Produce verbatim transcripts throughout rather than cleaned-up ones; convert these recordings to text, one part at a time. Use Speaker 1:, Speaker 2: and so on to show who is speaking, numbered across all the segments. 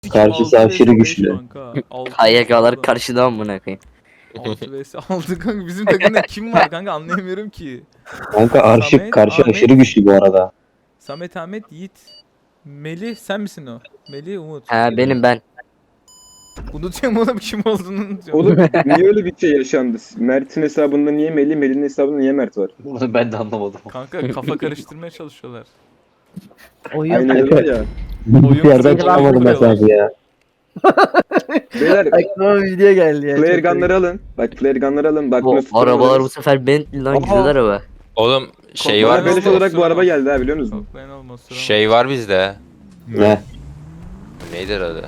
Speaker 1: Karşısı aşırı güçlü.
Speaker 2: K Y K'lar karşıda amına koyayım.
Speaker 3: altı vs altı kanka bizim takımda kim var kanka anlayamıyorum ki.
Speaker 1: Kanka Arşık
Speaker 3: Samet,
Speaker 1: karşı
Speaker 3: Ahmet.
Speaker 1: aşırı güçlü bu arada.
Speaker 3: Samet, Ahmet, Yiğit, Melih sen misin o? Melih, Umut.
Speaker 2: Ha benim ben.
Speaker 3: Unutuyorum oğlum kim olduğunu unutuyorum.
Speaker 4: Oğlum niye öyle bir şey yaşandı? Mert'in hesabında niye Melih, Melih'in hesabında niye Mert var?
Speaker 5: Bunu ben de anlamadım.
Speaker 3: Kanka kafa karıştırmaya çalışıyorlar.
Speaker 6: Oyun
Speaker 4: Aynen öyle ya.
Speaker 1: Bir yerden çıkamadım
Speaker 3: kuruyorlar.
Speaker 1: mesajı ya.
Speaker 4: Beyler
Speaker 6: aklıma bir video geldi ya.
Speaker 4: flare
Speaker 6: çok komik.
Speaker 4: gunları alın. Bak flare gunları alın. Bak
Speaker 2: Bu
Speaker 4: nasıl
Speaker 2: arabalar bu
Speaker 4: kullanırız.
Speaker 2: sefer Bentley lan
Speaker 4: Aa.
Speaker 2: güzel araba.
Speaker 7: Oğlum şey
Speaker 3: Koklayın
Speaker 7: var
Speaker 4: Bana
Speaker 3: olmaz,
Speaker 4: beleş olarak bu
Speaker 3: süremez.
Speaker 4: araba geldi ha biliyor musun?
Speaker 3: Koklayın olmaz. süremez.
Speaker 7: şey var bizde.
Speaker 1: Ne?
Speaker 7: Neydi adı?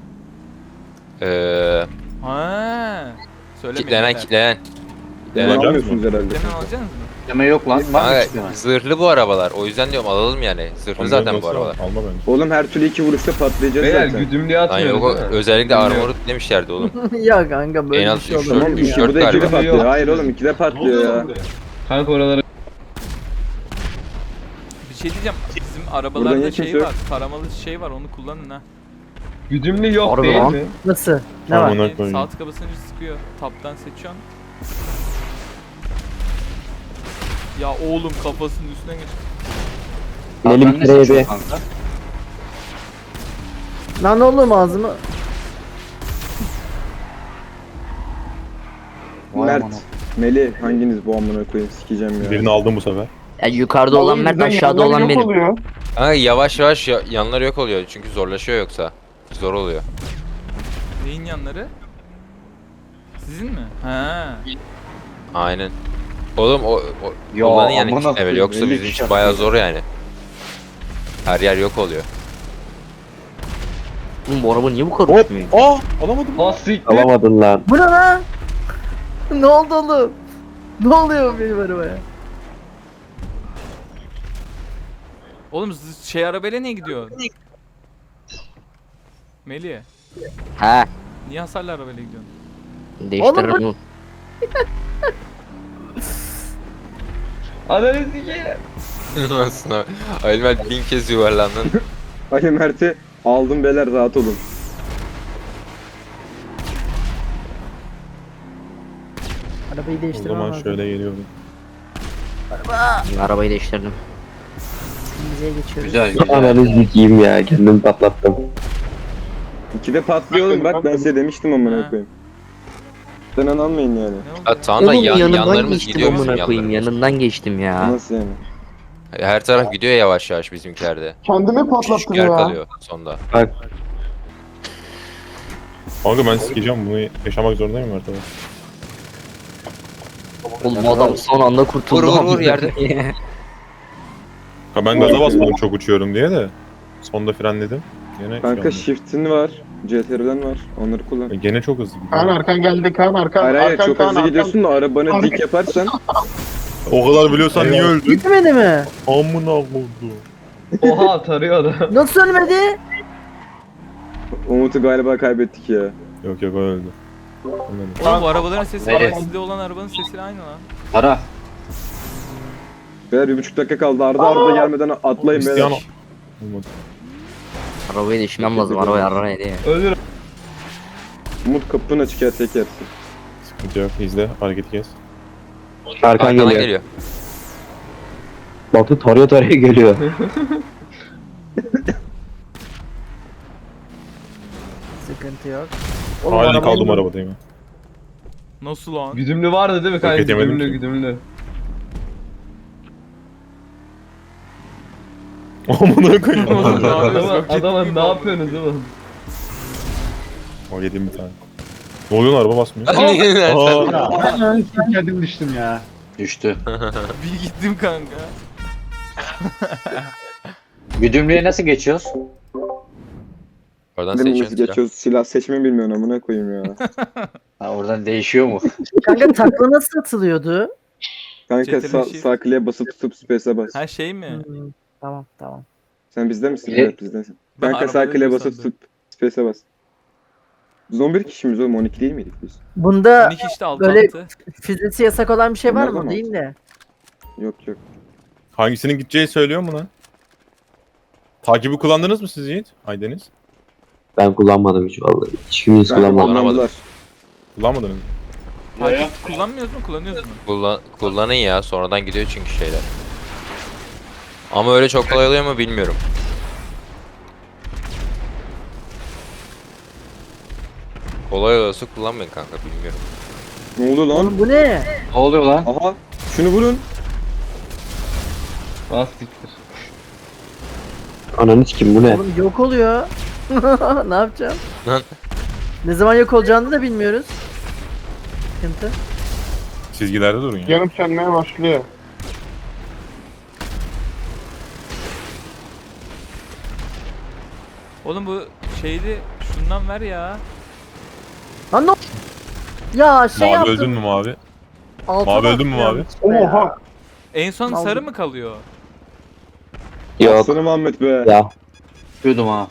Speaker 7: Eee
Speaker 3: Ha. Söylemeyin.
Speaker 7: kitlenen
Speaker 3: beyler.
Speaker 7: kitlenen.
Speaker 4: Bunu
Speaker 7: Kitlenen.
Speaker 4: almıyorsunuz herhalde.
Speaker 3: Kitlenen alacaksınız mı?
Speaker 5: Deme yok lan. Var mı
Speaker 7: Kanka,
Speaker 5: kitleme?
Speaker 7: zırhlı bu arabalar. O yüzden diyorum alalım yani. Zırhlı zaten bu arabalar.
Speaker 8: Alma bence.
Speaker 4: Oğlum her türlü iki vuruşta patlayacağız
Speaker 9: Beyler
Speaker 4: zaten.
Speaker 9: güdümlüye
Speaker 7: Lan
Speaker 9: atmıyoruz
Speaker 7: yok o,
Speaker 9: değil mi?
Speaker 7: özellikle armor demişlerdi oğlum.
Speaker 6: ya kanka böyle
Speaker 7: En
Speaker 6: bir
Speaker 7: az
Speaker 6: şey
Speaker 7: üç,
Speaker 6: olur.
Speaker 7: dört,
Speaker 4: Tamam
Speaker 7: üç,
Speaker 4: iki
Speaker 7: dört
Speaker 4: burada ikide
Speaker 7: galiba.
Speaker 4: patlıyor.
Speaker 9: Yok.
Speaker 4: Hayır oğlum ikide patlıyor ya.
Speaker 9: Kanka oralara
Speaker 3: Bir şey diyeceğim. Bizim
Speaker 4: Burada
Speaker 3: arabalarda
Speaker 4: niye
Speaker 3: şey
Speaker 4: kimse yok?
Speaker 3: var. Taramalı şey var onu kullanın ha.
Speaker 9: güdümlü yok
Speaker 2: Harbi
Speaker 9: değil
Speaker 2: lan.
Speaker 9: mi?
Speaker 6: Nasıl? Ne
Speaker 8: Tamam,
Speaker 6: var?
Speaker 8: Amına
Speaker 3: Yani
Speaker 8: koyayım.
Speaker 3: sağ tıka basınca sıkıyor. Taptan seçiyorsun. Ya oğlum kafasının üstüne geç.
Speaker 1: Melih
Speaker 5: Ben
Speaker 1: bir
Speaker 5: ne
Speaker 1: kere
Speaker 5: seçiyorum
Speaker 1: yedi.
Speaker 5: kanka?
Speaker 6: Lan oğlum ağzımı.
Speaker 5: Vay
Speaker 4: Mert,
Speaker 5: aman.
Speaker 4: Melih hanginiz bu amına koyayım sikeceğim ya.
Speaker 8: Birini aldım bu sefer.
Speaker 2: Ya yukarıda olan Mert aşağıda olan benim.
Speaker 7: Kanka yavaş yavaş ya- yanları yok oluyor çünkü zorlaşıyor yoksa. Zor oluyor.
Speaker 3: Neyin yanları? Sizin mi? Ha.
Speaker 7: Aynen. Oğlum o, o
Speaker 5: Ya,
Speaker 7: kullanın yani
Speaker 5: amına
Speaker 7: evet,
Speaker 5: koyayım,
Speaker 7: yoksa
Speaker 5: elli
Speaker 7: bizim
Speaker 5: kişi
Speaker 7: için bayağı
Speaker 5: atıyor.
Speaker 7: zor yani. Her yer yok oluyor.
Speaker 2: Oğlum bu araba niye bu kadar uçmuyor?
Speaker 8: Aa alamadım.
Speaker 9: Ha siktir.
Speaker 1: Alamadın lan.
Speaker 6: Bu ne lan? ne oldu oğlum? Ne oluyor benim arabaya?
Speaker 3: Oğlum z- şey arabayla niye gidiyor? Melih.
Speaker 2: Ha
Speaker 3: Niye hasarlı arabayla gidiyorsun?
Speaker 2: değiştiririm
Speaker 6: Oğlum
Speaker 2: bunu.
Speaker 9: Ananı sikeyim.
Speaker 7: Aslında Ayılmel bin kez yuvarlandın.
Speaker 4: Ali Mert'i aldım beyler rahat olun.
Speaker 6: Arabayı
Speaker 8: O
Speaker 6: değiştirmem
Speaker 8: zaman
Speaker 6: lazım.
Speaker 8: şöyle geliyorum.
Speaker 2: Arabayı değiştirdim.
Speaker 6: Bize geçiyoruz.
Speaker 5: Güzel güzel.
Speaker 1: Ananı sikeyim ya. Kendimi patlattım.
Speaker 4: İkide patlıyor oğlum bak ben size demiştim amına
Speaker 3: Ha.
Speaker 4: koyayım. Sen an almayın yani.
Speaker 3: Ne oldu?
Speaker 7: Ha, tamam da
Speaker 2: Oğlum
Speaker 7: yan,
Speaker 2: yanından
Speaker 7: yanlarımız
Speaker 2: geçtim
Speaker 7: gidiyor bizim
Speaker 2: amına koyayım.
Speaker 7: yanlarımız.
Speaker 2: Yanından geçtim ya.
Speaker 4: Nasıl yani?
Speaker 7: Her taraf gidiyor yavaş yavaş bizimkilerde.
Speaker 10: Kendimi
Speaker 7: Küçük
Speaker 10: patlattım
Speaker 7: yer
Speaker 10: ya.
Speaker 7: kalıyor sonda.
Speaker 8: Kanka ben sikeceğim bunu yaşamak zorundayım artık.
Speaker 2: Oğlum adam son anda kurtuldu.
Speaker 7: Vur, vur, vur,
Speaker 2: amına
Speaker 7: yerde.
Speaker 2: koyayım.
Speaker 8: Ha ben gaza basmadım çok uçuyorum diye de. Sonda frenledim. Gene
Speaker 4: Kanka
Speaker 8: şey
Speaker 4: shift'in var. C T R'den var. Onları kullan.
Speaker 8: oldu. Gene çok hızlı
Speaker 10: Kaan
Speaker 8: gidiyor.
Speaker 10: arkan geldi Kaan arkan.
Speaker 4: Hayır hayır
Speaker 10: arkan,
Speaker 4: çok
Speaker 10: Kaan,
Speaker 4: hızlı
Speaker 10: arkan.
Speaker 4: gidiyorsun da arabanı dik yaparsan
Speaker 8: O kadar biliyorsan niye öldün?
Speaker 6: Gitmedi mi?
Speaker 8: Amına oldu.
Speaker 9: Oha tarıyor adam.
Speaker 6: Nasıl ölmedi?
Speaker 4: Umut'u galiba kaybettik ya.
Speaker 8: Yok yok o öldü. Ölmedi.
Speaker 3: Oğlum bu arabaların sesi
Speaker 5: Evet.
Speaker 3: sizde olan arabanın sesiyle aynı lan.
Speaker 5: Para.
Speaker 4: Beyler bir buçuk dakika kaldı. Arda arda gelmeden atlayın
Speaker 8: Cristiano.
Speaker 4: beyler.
Speaker 8: Olmadı.
Speaker 2: Arabayı değiştirmem lazım. Arabayı arara diye.
Speaker 9: Ölür.
Speaker 4: Umut kapını açık ya tek yersin.
Speaker 8: Sıkıntı yok. İzle. Hareketi kes.
Speaker 1: Arkan
Speaker 7: Arkadan
Speaker 1: geliyor.
Speaker 7: geliyor.
Speaker 1: Batu tarıyor tarıyor geliyor.
Speaker 6: Sıkıntı yok.
Speaker 8: Halen kaldım arabadayım.
Speaker 3: Nasıl lan?
Speaker 9: Güdümlü vardı değil mi kanka?
Speaker 8: Roket yemedim
Speaker 9: Güdümlü
Speaker 8: ki.
Speaker 9: güdümlü.
Speaker 8: Amına koyayım.
Speaker 3: Oğlum, ne yapıyorsun?
Speaker 9: Adama,
Speaker 3: Roket
Speaker 9: adama
Speaker 3: gibi
Speaker 9: ne
Speaker 3: oldu.
Speaker 9: yapıyorsunuz oğlum?
Speaker 8: O yedim bir tane. Ne oluyor lan araba basmıyor. Aa,
Speaker 10: Ben kendim düştüm ya.
Speaker 5: Düştü.
Speaker 3: Bir gittim kanka.
Speaker 5: Güdümlüye nasıl geçiyoruz?
Speaker 7: Oradan
Speaker 4: Dedim
Speaker 7: seçiyorsun.
Speaker 4: nasıl
Speaker 7: silah.
Speaker 4: geçiyoruz silah seçmeyi bilmiyorsun amına koyayım ya.
Speaker 5: Ha oradan değişiyor mu?
Speaker 6: Kanka takla nasıl atılıyordu?
Speaker 4: Kanka
Speaker 3: C T R
Speaker 4: sağ,
Speaker 3: shift.
Speaker 4: sağ kliğe basıp tutup space'e bas.
Speaker 3: Her şey mi?
Speaker 6: Hmm, tamam tamam.
Speaker 4: Sen bizde misin?
Speaker 5: Evet.
Speaker 4: Evet bizdensin.
Speaker 3: Ben
Speaker 4: Kanka sağ
Speaker 3: arabada
Speaker 4: kliğe
Speaker 3: değilim
Speaker 4: basıp
Speaker 3: sandım.
Speaker 4: tutup space'e bas. Biz on bir kişimiz oğlum on iki değil miydik biz?
Speaker 6: Bunda
Speaker 3: on iki işte altı
Speaker 6: böyle-
Speaker 3: altı.
Speaker 6: füzesi yasak olan bir şey var
Speaker 4: Bunlardan
Speaker 6: mı?
Speaker 4: mı?
Speaker 6: Değil de.
Speaker 4: Yok yok.
Speaker 8: hangisinin gideceği söylüyor mu lan? Takibi kullandınız mı siz Yiğit? Aydeniz.
Speaker 1: Ben kullanmadım hiç vallahi. Hiçbiriniz
Speaker 4: Ben
Speaker 1: kullanmadı.
Speaker 4: kullanmadılar.
Speaker 8: Kullanmadın mı?
Speaker 3: Takip kullanmıyoruz mu kullanıyoruz mu?
Speaker 7: Kullan kullanın ya sonradan gidiyor çünkü şeyler. Ama öyle çok kolay oluyor mu bilmiyorum. Kolay olası kullanmayın kanka bilmiyorum.
Speaker 4: Ne oldu lan?
Speaker 6: Oğlum bu ne?
Speaker 5: Ne oluyor lan?
Speaker 4: Aha. Şunu vurun.
Speaker 9: Bas siktir.
Speaker 1: Ananı kim bu ne?
Speaker 6: Oğlum yok oluyor. Ne yapacağım?
Speaker 7: Lan.
Speaker 6: Ne zaman yok olacağını da bilmiyoruz. Sıkıntı.
Speaker 8: Çizgilerde durun ya.
Speaker 10: Yanıp sönmeye başlıyor.
Speaker 3: Oğlum bu şeydi şundan ver ya.
Speaker 6: Lan ne? Ya şey
Speaker 8: Mavi
Speaker 6: yaptım.
Speaker 8: öldün mü mavi?
Speaker 6: Altıma
Speaker 8: Mavi öldün mü
Speaker 6: attım
Speaker 8: mavi?
Speaker 6: yanlışlıkla ya.
Speaker 10: Oha.
Speaker 3: En son
Speaker 6: Aldım.
Speaker 3: sarı mı kalıyor?
Speaker 1: Yok
Speaker 4: Aslanım Muhammed be.
Speaker 1: ya.
Speaker 5: Yudum ha.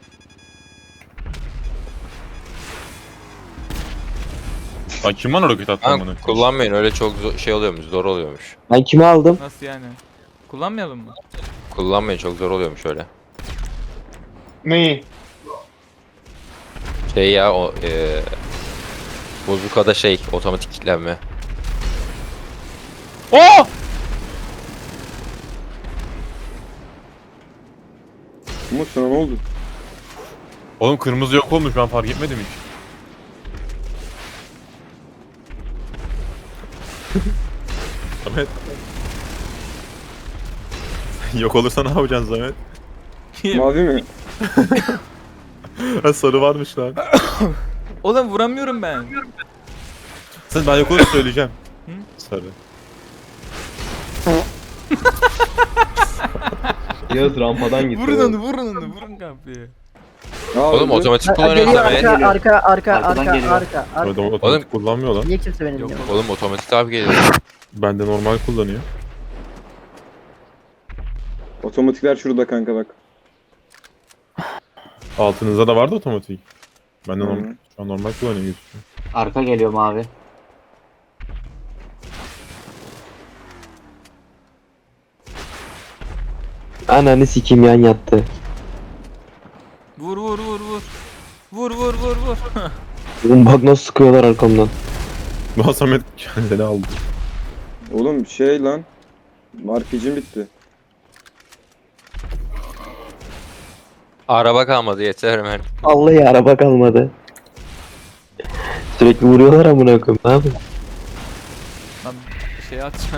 Speaker 8: Lan kim bana roket attı
Speaker 7: Lan
Speaker 8: bunu?
Speaker 7: kullanmayın öyle çok zo- şey oluyormuş zor oluyormuş.
Speaker 1: Ben kimi aldım?
Speaker 3: Nasıl yani? Kullanmayalım mı?
Speaker 7: Kullanmayın çok zor oluyormuş öyle.
Speaker 10: Neyi?
Speaker 7: Şey ya o eee Bozukada şey otomatik kilitlenme.
Speaker 8: Oh!
Speaker 4: Umut sana ne oldu?
Speaker 8: Oğlum kırmızı yok olmuş ben fark etmedim hiç. Samet. Yok olursa ne yapacaksın Samet?
Speaker 4: Mavi mi?
Speaker 8: Ha, sarı varmış lan.
Speaker 3: Oğlum vuramıyorum ben.
Speaker 8: Sen ben yok olursa söyleyeceğim.
Speaker 3: Hı?
Speaker 8: Sarı.
Speaker 9: Yağız rampadan gitti.
Speaker 3: Vurun onu vurun onu vurun kapıyı.
Speaker 4: Aa,
Speaker 7: Oğlum
Speaker 4: öldü.
Speaker 7: otomatik
Speaker 6: Ha,
Speaker 7: kullanıyorsun
Speaker 6: geliyor
Speaker 7: Samet.
Speaker 6: arka, arka arka
Speaker 5: Arkadan
Speaker 6: arka
Speaker 5: geliyor.
Speaker 6: arka arka.
Speaker 8: Öyle otomatik kullanmıyor lan.
Speaker 6: Niye kimse beni
Speaker 3: Yok,
Speaker 6: dinlemiyor?
Speaker 7: Oğlum otomatik abi geliyor.
Speaker 8: Ben de normal kullanıyor.
Speaker 4: Otomatikler şurada kanka bak.
Speaker 8: Altınızda da vardı otomatik. Ben de
Speaker 4: Hı.
Speaker 8: normal, şu an normal kullanıyorum gözüküyor.
Speaker 5: Arka geliyor mavi.
Speaker 1: Ananı sikim yan yattı.
Speaker 3: Vur vur vur vur. Vur vur vur vur.
Speaker 1: Oğlum bak nasıl sıkıyorlar arkamdan.
Speaker 8: Daha Samet kendini aldı.
Speaker 4: Oğlum şey lan. Markicim bitti.
Speaker 7: Araba kalmadı yeter Mert.
Speaker 1: Vallahi araba kalmadı. Sürekli vuruyorlar amına koyayım. Ne yapayım?
Speaker 3: Lan şey atacaksın.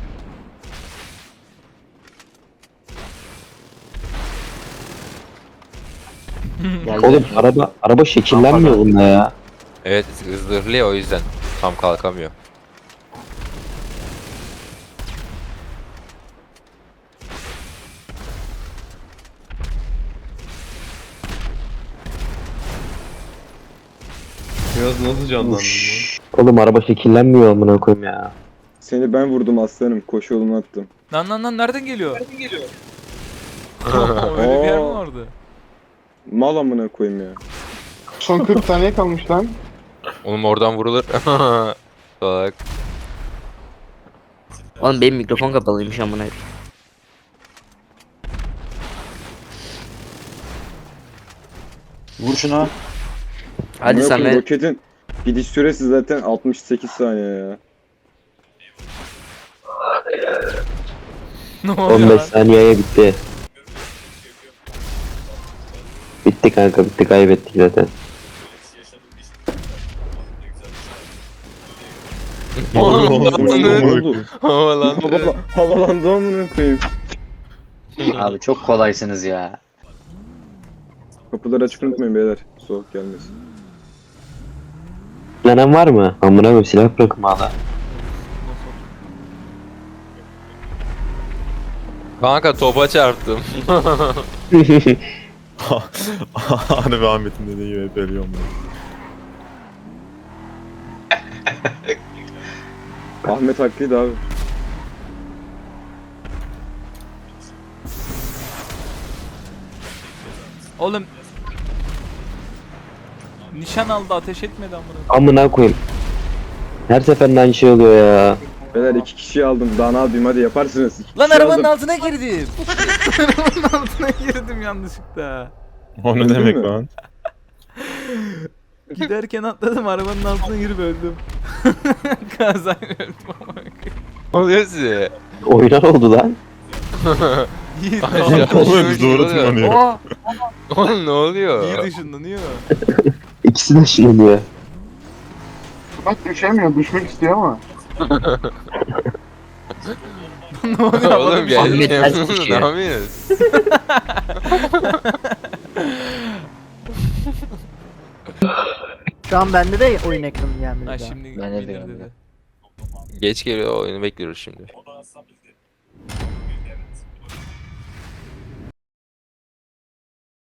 Speaker 5: Geldi.
Speaker 1: Oğlum araba araba şekillenmiyor bunda ya.
Speaker 7: Evet zırhlı ya o yüzden tam kalkamıyor.
Speaker 9: Yağız nasıl canlandın lan?
Speaker 1: Oğlum araba şekillenmiyor amına koyayım ya.
Speaker 4: Seni ben vurdum aslanım. Koşu yolunu attım.
Speaker 3: Lan lan lan nereden geliyor? Nereden geliyor? Öyle bir yer mi
Speaker 4: Oo.
Speaker 3: vardı?
Speaker 4: Mal amına koyayım ya.
Speaker 10: Son kırk saniye kalmış lan.
Speaker 7: Oğlum oradan vurulur. Bak.
Speaker 2: Oğlum benim mikrofon kapalıymış amına.
Speaker 5: Vur şunu.
Speaker 2: Hadi
Speaker 4: Amına koyayım,
Speaker 2: Samet.
Speaker 4: Roketin gidiş süresi zaten altmış sekiz saniye ya.
Speaker 3: Ne oluyor
Speaker 1: on beş
Speaker 3: lan?
Speaker 1: saniyeye bitti. Bitti kanka bitti kaybettik zaten.
Speaker 7: Oğlum
Speaker 4: Oğlum, ne oldu?
Speaker 7: havalandı.
Speaker 4: Hava- Havalandı amına koyayım.
Speaker 5: Abi çok kolaysınız ya.
Speaker 4: Kapıları açık unutmayın beyler. Soğuk gelmesin.
Speaker 1: Lanen var mı? Amına koyayım silah bırakın hala.
Speaker 7: Kanka topa çarptım.
Speaker 8: Hani Ahmet'in dediği gibi hep ölüyorum ben.
Speaker 4: Ahmet haklıydı abi.
Speaker 3: Oğlum. Nişan aldı ateş etmedi amına.
Speaker 1: Amına koyayım. Her seferinde aynı şey oluyor ya.
Speaker 4: Beyler iki kişi aldım. Daha ne yapayım hadi yaparsınız. İki
Speaker 3: Lan
Speaker 4: kişi
Speaker 3: arabanın
Speaker 4: aldım.
Speaker 3: altına girdim. Arabanın altına girdim yanlışlıkla.
Speaker 8: O ne
Speaker 4: Öldün
Speaker 8: demek
Speaker 4: mü?
Speaker 8: lan?
Speaker 3: Giderken atladım arabanın altına girip öldüm. Kazayla öldüm ama.
Speaker 7: Ne oluyor size?
Speaker 1: Oynar oldu lan.
Speaker 3: Yiğit,
Speaker 7: Aşağı
Speaker 8: Oğlum,
Speaker 7: düşüyor,
Speaker 8: doğru
Speaker 7: ne oluyor?
Speaker 8: tırmanıyor.
Speaker 7: Oha! Oğlum ne oluyor?
Speaker 3: Yiğit ışınlanıyor.
Speaker 1: İkisi de ışınlanıyor.
Speaker 10: Bak düşemiyor. Düşmek istiyor ama.
Speaker 3: Ne oluyor?
Speaker 7: Oğlum gel.
Speaker 2: Ahmet ters
Speaker 7: Ne
Speaker 2: düşüyor.
Speaker 7: yapıyorsunuz?
Speaker 6: Şu an bende de oyun ekranı gelmedi.
Speaker 3: Ha
Speaker 6: daha.
Speaker 3: şimdi
Speaker 5: Ben de
Speaker 3: gelir
Speaker 5: diyorum
Speaker 3: dedi.
Speaker 7: Geç geliyor oyunu bekliyoruz şimdi.